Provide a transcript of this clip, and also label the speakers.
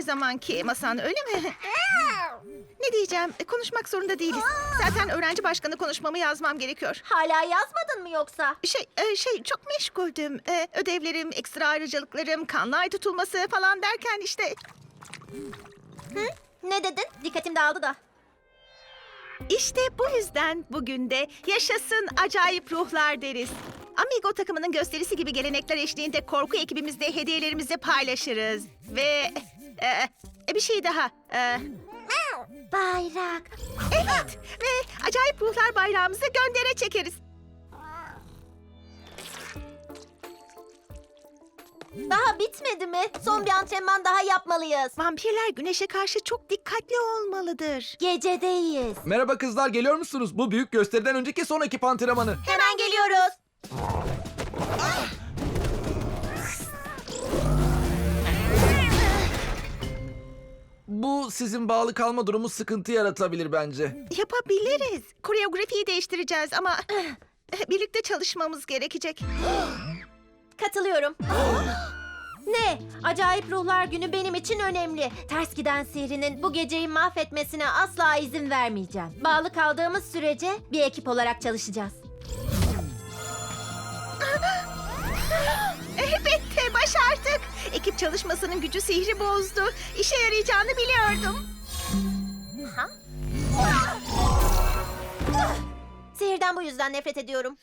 Speaker 1: zamanki masan, öyle mi? Ne diyeceğim? Konuşmak zorunda değiliz. Zaten öğrenci başkanı konuşmamı yazmam gerekiyor.
Speaker 2: Hala yazmadın mı yoksa?
Speaker 1: Çok meşguldüm. Ödevlerim, ekstra ayrıcalıklarım, kanlı ay tutulması falan derken işte...
Speaker 2: Ne dedin? Dikkatim dağıldı da.
Speaker 1: İşte bu yüzden bugün de yaşasın acayip ruhlar deriz. Amigo takımının gösterisi gibi gelenekler eşliğinde korku ekibimizde hediyelerimizi paylaşırız. Ve bir şey daha.
Speaker 2: Bayrak.
Speaker 1: Evet, ve acayip ruhlar bayrağımızı göndere çekeriz.
Speaker 2: Daha bitmedi mi? Son bir antrenman daha yapmalıyız.
Speaker 1: Vampirler güneşe karşı çok dikkatli olmalıdır.
Speaker 2: Gecedeyiz.
Speaker 3: Merhaba kızlar, geliyor musunuz? Bu büyük gösteriden önceki son ekip antrenmanı.
Speaker 2: Hemen geliyoruz.
Speaker 3: Bu sizin bağlı kalma durumu sıkıntı yaratabilir bence.
Speaker 1: Yapabiliriz. Koreografiyi değiştireceğiz ama birlikte çalışmamız gerekecek.
Speaker 2: Katılıyorum. Ne? Acayip Ruhlar Günü benim için önemli. Ters giden sihrinin bu geceyi mahvetmesine asla izin vermeyeceğim. Bağlı kaldığımız sürece bir ekip olarak çalışacağız.
Speaker 1: Elbette başardık. Ekip çalışmasının gücü sihri bozdu. İşe yarayacağını biliyordum.
Speaker 2: Sihirden bu yüzden nefret ediyorum.